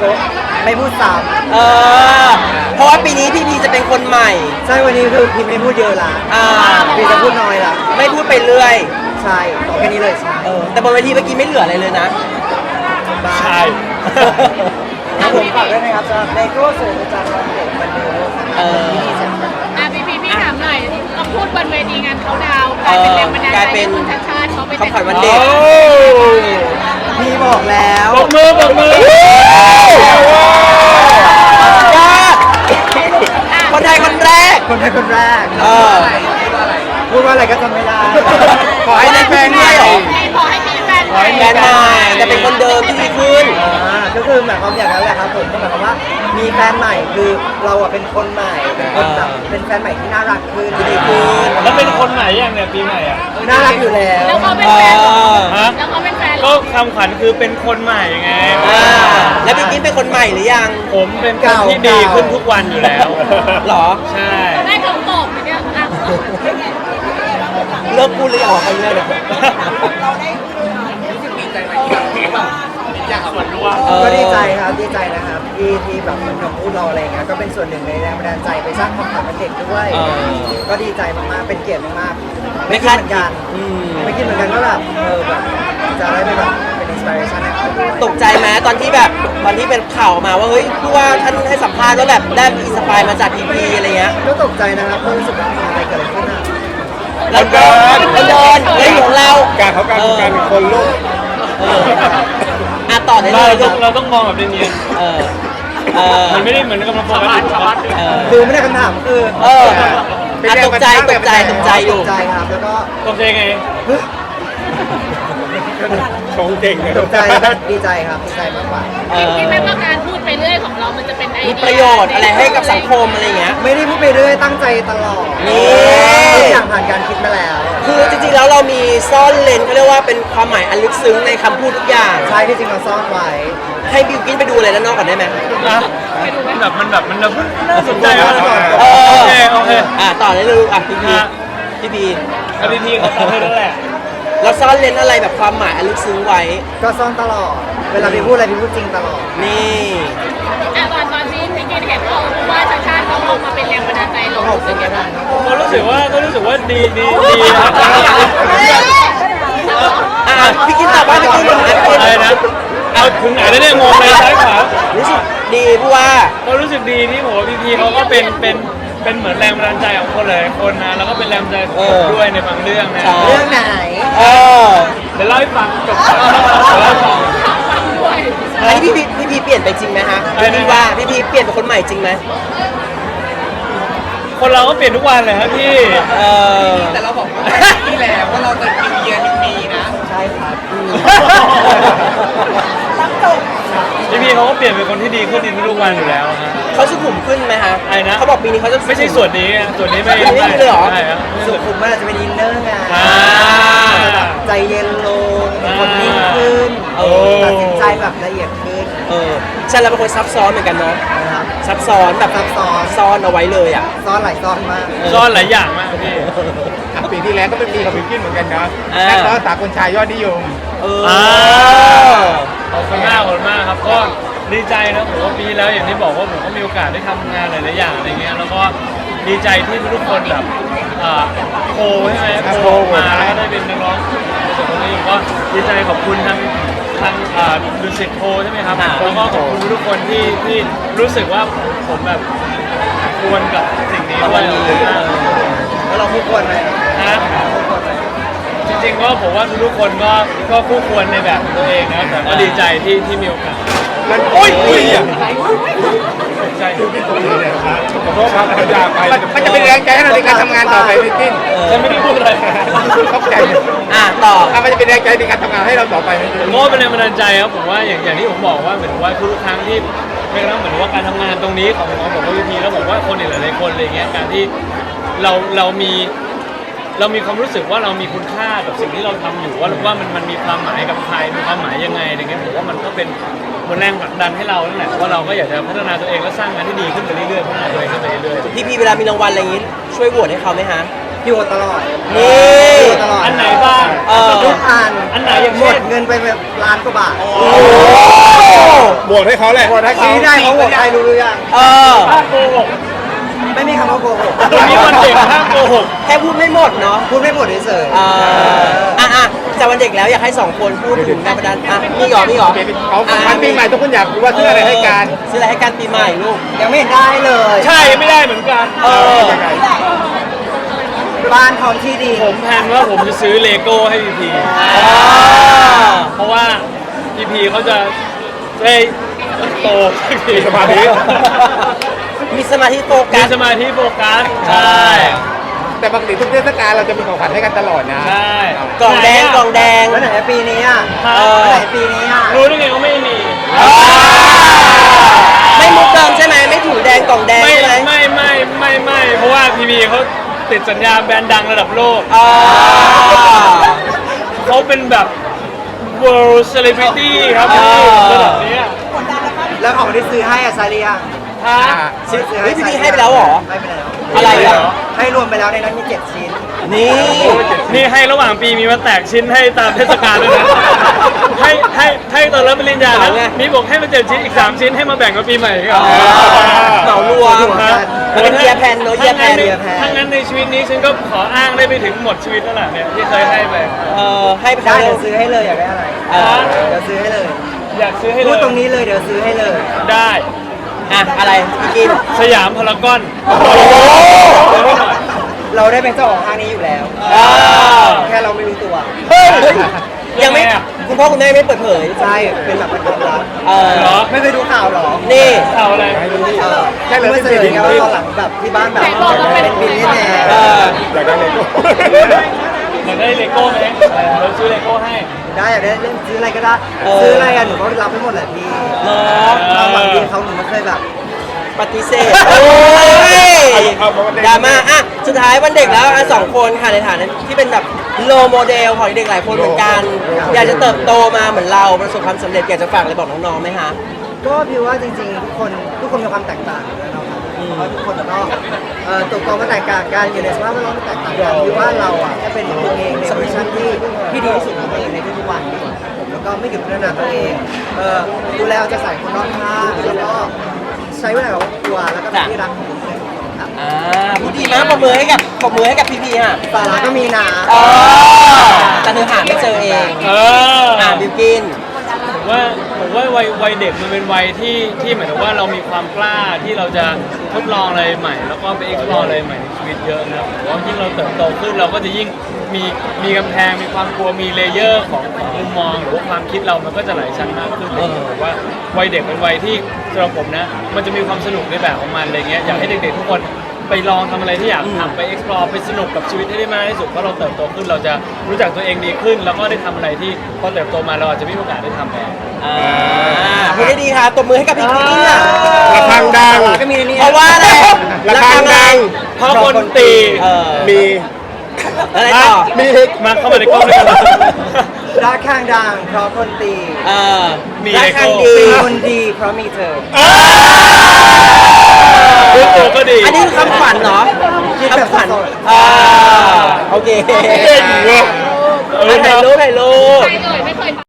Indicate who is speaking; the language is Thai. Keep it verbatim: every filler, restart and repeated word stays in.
Speaker 1: ก็ไม่พูดซ้
Speaker 2: เออเพราะว่าปีนี้พี่พีจะเป็นคนใหม่
Speaker 1: ำใช่วันนี้คือพิมไม่พูดเยอะละ
Speaker 2: อ่า
Speaker 1: พิมจะพูดน้อยละ
Speaker 2: ไม่พูดไปเรื่อย
Speaker 1: ใช่ต่อแค่นี้เลยใช่
Speaker 2: เออแต่บนเวทีเมื่อกี้ไม่เหลืออะไรเลยนะ
Speaker 3: ใช่
Speaker 1: ครับผมฝากด้วยนะครับสำหรับเลโก้เสือประจำวันเด็กวันเดียว
Speaker 2: เออ
Speaker 1: ที่ดีจัง
Speaker 4: อ่ะพี่พี่พี่ถามหน่อยต้องพูดบนเวทีงานเขาดาวน์กลายเป็นแรงบันดาล
Speaker 2: กลาย
Speaker 4: ใจ
Speaker 2: เป็น
Speaker 4: ให้คุณชัดชาติเขาไป
Speaker 2: คำขวัญวัน
Speaker 3: โอ้
Speaker 2: เด็ก
Speaker 1: พี่บอกแล้ว
Speaker 3: ปรบมือปรบมือ
Speaker 2: ยอดคนไทยคนแรก
Speaker 1: คนไทยคนแรก
Speaker 2: เออ
Speaker 1: พูดว่าอะไรก็จำไม่ได้
Speaker 2: ขอให้ได้แฟนใหม่เหรอ
Speaker 4: ขอให้มีแฟน
Speaker 3: ขอให้มี
Speaker 2: แฟนใหม่จะเป็นคนเดิมที่ดีขึ้น
Speaker 1: อ่าก็คือหมายความอย่างนั้นแหละครับผมก็หมายความว่ามีแฟนใหม่คือเราอะเป็นคนใหม่เป็นคนแบบเป็นแฟนใหม่ที่น่ารักขึ้นที่ดีขึ้น
Speaker 3: แล้วเป็นคนไหนอย่างเนี่ยปีใหม่อ่ะ
Speaker 1: น่ารักอยู่แล้ว
Speaker 4: แล้วเขาเป็นแฟนเหรอ
Speaker 3: ฮะ
Speaker 4: แล้วเขาเป็นแฟนเหร
Speaker 3: ก็
Speaker 4: อ
Speaker 3: คำขวัญคือเป็นคนใหม่ไง
Speaker 2: อ่าแล้วพี่กิ๊ฟเป็นคนใหม่หรือยัง
Speaker 3: ผมเป็นคนที่ดีขึ้นทุกวันอยู่แล้ว
Speaker 2: หรอ
Speaker 3: ใช่
Speaker 4: ได้คำตอบเนี่ยอ่ะ
Speaker 2: เลิกพูดเลยออกไปเรื่อยเลย เออ
Speaker 1: ก็ดีใจครับดีใจนะครับที่ที่แบบเหมือนคำพูดเราอะไรเงี้ยก็เป็นส่วนหนึ่งในแรงบันดาลใจไปสร้างความฝันเป็นเด็กด้วย
Speaker 2: เออ
Speaker 1: ก็ดีใจมากๆเป็นเกียรติมากๆ
Speaker 2: ไม่
Speaker 1: ไม่คิด
Speaker 2: คาด
Speaker 1: เหมือนกัน
Speaker 2: อืม
Speaker 1: ไม่คิดเหมือนกันว่าแบบเออแบบจะได้ไปแบบเป็นอินสปิเรชันให้เขาด้วย
Speaker 2: ตกใจไหมตอนที่แบบตอนที่เป็นข่าวมาว่าเฮ้ยผู้ว่าท่านให้สัมภาษณ์ว่าแบบได้อินสปายมาจากพีพีอะไรเงี้ย
Speaker 1: ก็ตกใจนะครับก็รู้สึกว่าอะไรเกิดอะไรขึ้นอ่ะ
Speaker 2: เราเดินเราเดินเฮ้ยของเรา
Speaker 5: การเขาการการเป็นคนลูก
Speaker 2: เอออ่ะต่อได้เล
Speaker 3: เรา
Speaker 2: ยค
Speaker 3: ต้
Speaker 2: รั
Speaker 3: อบ งเราต้องมองแบบเนียน
Speaker 2: เออเออ
Speaker 3: ๆมันไม่ได้เหมือนกำลังโฟกัสชาวบ้าน
Speaker 2: เออ
Speaker 1: คือไม่ได้คำถามคือ
Speaker 2: เอออ่ะตกใจตกใจตกใจอยู่
Speaker 1: ตกใจครับแล้วก็
Speaker 3: ตกใจไง
Speaker 5: ชงเก่งเลย
Speaker 1: ตกใจดีใจครับดีใจมากกว่า
Speaker 2: เออ
Speaker 4: พี่แม่ว่าการพูดไปเรื่อยของเรามันจะเป็นไอ
Speaker 2: มี
Speaker 4: เดีย
Speaker 2: ประโยชน์อะไรให้กับสังคมอะไรเงี้ย
Speaker 1: ไม่ได้พูดไปเรื่อยตั้งใจตลอด
Speaker 2: นี่
Speaker 1: ทุกอย่างผ่านการคิดมาแล้ว
Speaker 2: คือจริงๆแล้วเรามีซ่อนเลนเขาเรียกว่าเป็นความหมายอันลึกซึ้งในคำพูดทุกอย่าง
Speaker 1: ใช่ที่จริงเราซ่อนไว้
Speaker 2: ให้บิวกินไปดูอะไรด้านนอกก่อนได้ไหม
Speaker 3: นะมันแบบมันแบบมันแบบน่าสนใจมาก
Speaker 2: เออ
Speaker 3: โอเคโอเค
Speaker 2: อ่ะต่อได้เลยลูกอ่ะพี่พี
Speaker 3: ฮะ
Speaker 2: พี่พี
Speaker 3: เอาดีๆเขาตอบให้แล้วแหละ
Speaker 2: เราซ่อนเลนอะไรแบบความหมายอันลึกซึ้งไว้
Speaker 1: ก็ซ่อนตลอด เวลาพี่พูดอะไรพี่พูดจริงตลอด
Speaker 2: นี่
Speaker 4: อ่ะตอนตอนที่พี่กินเห็นว่าว่าชัดชาติเขาลงมาเป็นแรงบันดาลใจเรารู้สึกยังไงบ้าง
Speaker 3: ก็รู้สึกว่าก็รู้สึกว่าดีดีดีครับ
Speaker 2: อ่ะพี่กินตอบว่าพี่กินตอบว่าพี่กิน
Speaker 3: อะไรนะเอาถึงไหนแล้วเนี่ยงงเลยซ้ายขวา
Speaker 2: รู้สึกดีผู้ว่า
Speaker 3: ก็รู้สึกดีที่ผมว่าพีพีเขาก็เป็นเป็นเป็นเหมือนแรงบันดาลใจของคนหลายคนนะแล้วก็เป็นแรงบันดาลใจของผมด้วยในบางเรื่องนะ
Speaker 2: ใช่
Speaker 1: เรื่องไหน
Speaker 2: เออ
Speaker 3: เดี๋ยวเล่าให้ฟังจบเดี๋ยวเล่าให้ฟัง
Speaker 4: ด้วย
Speaker 2: อันนี้พี่พีพี่พีเปลี่ยนไปจริงไหมฮะ
Speaker 3: อะไรนะ
Speaker 2: พี่ว่าพี่พีเปลี่ยนเป็นคนใหม่จริงไหม
Speaker 3: คนเราก็เปลี่ยนทุกวันเลยครับพี่
Speaker 2: เออ
Speaker 5: แต่เราบอกว่าที่แล้วว่าเราจะนิวเยียร์นิวมีนะ
Speaker 1: ใช่ครับอืม
Speaker 3: พี่พีเขาก็เปลี่ยนเป็นคนที่ดีขึ้นในทุกๆวันอยู่แล้วฮะ
Speaker 2: เขาสุขุมขึ้นไหมฮะ
Speaker 3: อะไรนะ
Speaker 2: เขาบอกปีนี้เขาจะ
Speaker 3: ไม่ใช่ส่วนนี้อะส่วนนี้ไม่
Speaker 2: ไม่ได้เลยเหรอ
Speaker 3: ใช่ครับ
Speaker 1: สุขุมมันอาจจะเป็นอินเนอร์ไง
Speaker 3: อ่า
Speaker 1: ใจเย็นลง
Speaker 3: อ่า
Speaker 1: คนนิ่งขึ้น
Speaker 2: โอ้
Speaker 1: ตัดสินใจแบบละเอียดขึ้น
Speaker 2: เออใช่เราเป็นคนซับซ้อนเหมือนกันเนาะ
Speaker 1: นะครับ
Speaker 2: ซับซ้อนแบบ
Speaker 1: ซับซ้อน
Speaker 2: ซ่อนเอาไว้เลยอ่ะ
Speaker 1: ซ่อนหลายซ่อนมาก
Speaker 3: ซ่อนหลายอย่างมากพี่
Speaker 5: ปีที่แล้วก็เป็นปีกับบิวกิ้นเหมือนกันนะ
Speaker 2: อ่า
Speaker 5: นักร้องสากลชายยอดนิยม
Speaker 2: เออ
Speaker 3: อ่า ขอบคุณมากขอบคุณมากครับก็ดีใจนะผมว่าปีที่แล้วอย่างที่บอกว่าผมก็มีโอกาสได้ทำงานหลายๆอย่างอะไรเงี้ยแล้วก็ดีใจที่ทุกคนแบบอ่าโคใช่ไหมโคมาแล้วก็ได้เป็นนักร้องส่วนตรงนี้ผมก็ดีใจขอบคุณทางทางอ่าดูสิตโคใช่ไหมครับ
Speaker 2: อ่า
Speaker 3: แล้วก็ขอบคุณทุกคนที่ที่รู้สึกว่าผมแบบควรกับสิ่งนี้ด้วยขอบคุณมาก
Speaker 1: แล้วเราคู่ควรไหม
Speaker 3: นะ
Speaker 1: คู่ควรไหม
Speaker 3: จริงๆก็ผมว่าทุกๆคนก็ก็คู่ควรในแบบของตัวเองนะแต่ก็ดีใจที่ที่มีโอกาส
Speaker 5: มันโอ้ยอุ้ยอ่ะ
Speaker 3: ตกใจ
Speaker 5: ขอโทษครับอย่าไปมันจะเป็นแรงใจให้เราในการทำงานต่อไปบิวกิ้น
Speaker 3: ฉันไม่ได้พูดอะไร
Speaker 5: ตกใจ
Speaker 2: อ่ะต่อ
Speaker 5: อ่ะมันจะเป็นแรงใจในการทำงานให้เราต่อไปไหม
Speaker 3: ผมก็เป็นแรงบันดาลใจครับผมว่าอย่างอย่างที่ผมบอกว่าเหมือนว่าทุกๆครั้งที่ไม่กระทั่งเหมือนว่าการทำงานตรงนี้ของของผมกับพีพีแล้วผมว่าคนอีกหลายๆคนอะไรเงี้ยการที่เราเรามีเรามีความรู้สึกว่าเรามีคุณค่ากับสิ่งที่เราทำอยู่ว่าว่ามันมันมีความหมายกับใครมีความหมายยังไงอะไรเงี้ยผมว่ามันก็เป็นคนแรงผลักดันให้เรานั่นแหละว่าเราก็อยากจะพัฒนาตัวเองและสร้างงานที่ดีขึ้นไปเรื่อยๆพัฒนาตัวเองขึ้นไปเรื่อยๆ
Speaker 2: พี่พีเวลามีรางวัลอะไรอย่างงี้ช่วยโหวตให้เขาไหมฮะ
Speaker 1: อยู่ตลอด
Speaker 2: นี่
Speaker 1: อยู่ตลอด
Speaker 3: อันไหนบ้าง
Speaker 2: เออ
Speaker 1: ทุกอัน
Speaker 3: อันไหนอย่าง
Speaker 1: ห
Speaker 3: เช่
Speaker 1: ม
Speaker 3: น
Speaker 1: ดเงินไปแบบล้านกว่าบาท
Speaker 5: บวกให้เขาแหละบวกให้เขา
Speaker 1: ชี้ได้เขาบอกใครรู้หรือยัง
Speaker 2: เออ
Speaker 3: ห้ามโกหก
Speaker 1: ไม่มีคำว่าโกหก
Speaker 3: วันนี้วันเด็กห้ามโกหก
Speaker 2: แค่พูดไม่หมดเนาะ
Speaker 1: พูดไม่หมดเฉยๆ
Speaker 2: อ่าอ่ะอ่ะจากวันเด็กแล้วอยากให้สองคนพูดถึงแรงบันดาลอ่ะมีหรอมีหรอ
Speaker 5: เขาพันปีใหม่ทุกคนอยากรู้ว่าซื้ออะไรให้กัน
Speaker 2: ซื้ออะไรให้กันปีใหม่ลูก
Speaker 1: ยังไม่เห็นได้เลย
Speaker 3: ใช่ไม่ได้เหมือนกัน
Speaker 2: เออ
Speaker 1: บ้านพร้อมที่ดี
Speaker 3: ผมแพลนว่าผมจะซื้อเลโก้ให้พีพีเพราะว่าพีพีเขาจะได้โตสักที
Speaker 5: สมาธิ
Speaker 2: มีสมาธิโฟ
Speaker 3: มี
Speaker 2: กัส
Speaker 3: สมาธิโฟกัสใช่
Speaker 5: แต่ปกติทุกเทศกาลเราจะมีของขวัญให้กันตลอดนะ
Speaker 3: ใช่
Speaker 2: กล่องแดงกล่องแดง
Speaker 1: แล้วไหนปีนี้อ่ะ
Speaker 3: เออ
Speaker 1: แล้วไหนปีนี้อ่ะ
Speaker 3: รู้ได้ไงว่าไม่มี
Speaker 2: ไม่มุกเดิมใช่ไหมไม่ถุงแดงกล่องแดง
Speaker 3: ไม่
Speaker 2: ใช่ไหม
Speaker 3: ไม่ไม่ไม่ไม่เพราะว่าพีพีเขาติดสัญญาแบรนด์ดังระดับโลก
Speaker 2: อ่า
Speaker 3: เขาเป็นแบบ world celebrity ครับพี่ระดับเนี้ย
Speaker 1: แล้วของที่ซื้อให้อะซาเลีย
Speaker 3: ฮะ
Speaker 2: ซื้อเฮ้ยพี่พีให้ไปแล้วเหรอ
Speaker 1: ให้ไปแล้ว
Speaker 2: อะไรอ่ะ
Speaker 1: ให้รวมไปแล้วในนั้นมีเจ็ดชิ้น
Speaker 2: นี่
Speaker 3: นี่ให้ระหว่างปีมีมาแตกชิ้นให้ตามเทศกาลด้วยนะ ให้ให้ให้ตอนรับปริญญานะมีบอกให้มาเจ็ดชิ้นอีกสามชิ้นให้มาแบ่งกับปีใหม่ครับ
Speaker 2: เหมารวม
Speaker 1: ถูกกัน
Speaker 2: มันเป็นเยียร์แพนเนอะเยียร์แพน
Speaker 1: เยียร์แพน
Speaker 3: ถ้างั้นในชีวิตนี้ฉันก็ขออ้างได้ไปถึงหมดชีวิตแล้วล่ะเนี่ยที่เคยให้ไป
Speaker 2: เออให้ไป
Speaker 1: ได้
Speaker 2: เขา
Speaker 1: เดี๋ยวซื้อให้เลยอยากได้อะไร
Speaker 2: เออ
Speaker 1: เดี๋ยวซื้อให้เลย
Speaker 3: อยากซื้อให้เล
Speaker 1: พูด
Speaker 3: ย
Speaker 1: ตรงนี้เลยเดี๋ยวซื้อให้เลย
Speaker 3: ได้
Speaker 2: อ่ะอะไรพี่กิน
Speaker 3: สยามพารากอน
Speaker 1: เราได้เป็นเจ้าของห้างนี้อยู่แล้ว
Speaker 2: อ่า
Speaker 1: แค่เราไม่รู้ตัว
Speaker 2: เฮ้ยยังไม่คุณพ่อคุณแม่ไม่เปิดเผย
Speaker 1: ใช่เป็นแบบเป็นความลับ
Speaker 2: เออ
Speaker 3: เหรอ
Speaker 1: ไม่เคยดูข่าวหรอ
Speaker 2: นี่
Speaker 3: ข่าวอะไร
Speaker 1: เออแค่เลยไม่เสนอไงว่าตอนหลังแบบที่บ้านแบบเป็นบิลลี่แน
Speaker 2: เออ
Speaker 5: อยากได้เลโก้
Speaker 3: อยากได้เลโก้ไหมเราซื้อเลโก้ให้
Speaker 1: ได้อยากได้เล่นซื้ออะไรก็ได้
Speaker 2: เออ
Speaker 1: ซื้ออะไรกันหนูก็รับไปหมดแหละพี่
Speaker 2: เนาะ
Speaker 1: เราหวังดีเขาหนูไม่เคยแบบ
Speaker 2: ปฏิเสธโอ้ยดราม่าอ่ะสุดท้ายวันเด็กแล้วอ่ะสองคนค่ะในฐานะที่เป็นแบบโลโมเดลของเด็กหลายคนเหมือนกัน อยากจะเติบโตมาเหมือนเราประสบความสำเร็จอยากจะฝากอะไรบอกน้องๆไหมคะ
Speaker 1: ก็พี่ว่าจริงๆทุกคนทุกคนมีความแตกต่างอยู่แล้วเนาะครับเพราะทุกคนก็เอ่อตัวตนก็แตกต่างกันอยู่ในสภาพแวดล้อมที่แตกต่างกันพี่ว่าเราอ่ะแค่เป็นตัวเองในเวอร์ชันที่ที่ดีที่สุดของตัวเองในทุกๆวันดีกว่าครับผมแล้วก็ไม่หยุดพัฒนาตัวเองเอ่อดูแลเอาใจใส่คนรอบข้างแล้วก็ใช้เวลากับครอบครัวแล้วก็เป็นที่รักของทุกคนครับ
Speaker 2: อ่าพูดดีมากปรบมือให้กับปรบมือให้กับพี่พีค่ะ
Speaker 1: สาระก็มีนะ
Speaker 2: อ๋อแต่เธอหาไม่เจอเอง
Speaker 3: เออ
Speaker 2: อ่าบิวกิน
Speaker 3: ผมว่าผมว่าวัยวัยเด็กมันเป็นวัยที่ที่หมายถึงว่าเรามีความกล้าที่เราจะทดลองอะไรใหม่ แล้วก็ไป explore อะไรใหม่ในชีวิตเยอะนะครับผมว่ายิ่งเราเติบโตขึ้นเราก็จะยิ่งมีมีกำแพงมีความกลัวมีเลเยอร์ของของมุมมองหรือว่าความคิดเรามันก็จะหลายชั้นมากขึ้นเลยผมว่าวัยเด็กเป็นวัยที่สำหรับผมนะมันจะมีความสนุกในแบบของมันอะไรเงี้ยอยากให้เด็กๆทุกคนไปลองทำอะไรที่อยากทำไป explore ไปสนุกกับชีวิตให้ได้มากที่สุดเพราะเราเติบโตขึ้นเราจะรู้จักตัวเองดีขึ้น แล้วก็ได้ทำอะไรที่พอเติบโตมาเราอาจจะไม่มีโอกาสได้ทำแล้ว
Speaker 2: อ่าพูดได้ดีค่ะตบมือให้กับพี่กินค่ะ
Speaker 5: ระฆังดัง
Speaker 1: ก็มีในนี้
Speaker 2: เพราะว่าอะไร
Speaker 5: ระฆังดัง
Speaker 3: เพราะคนตี
Speaker 2: เออ
Speaker 5: มี
Speaker 2: อะไรต่อ
Speaker 5: มีอีก
Speaker 3: มาเข้ามาในกล้องด้วยกัน
Speaker 1: รักข้างดังเพราะคนตี
Speaker 2: เออ
Speaker 3: มี
Speaker 2: รัก
Speaker 3: เลโก้
Speaker 2: ครั้งดี
Speaker 1: เป็นคนดีเพราะมีเธอ
Speaker 3: รู้ตัวก็ดี
Speaker 2: อันนี้คือคำขวัญเนาะ
Speaker 1: คิดแบบ
Speaker 2: คำขวัญ
Speaker 1: สด
Speaker 2: อ่าโอเค
Speaker 3: เก่งเว้ยเออ
Speaker 2: ถ่ายรูปถ่ายรูป
Speaker 4: ใครเอ่ยไม่เคย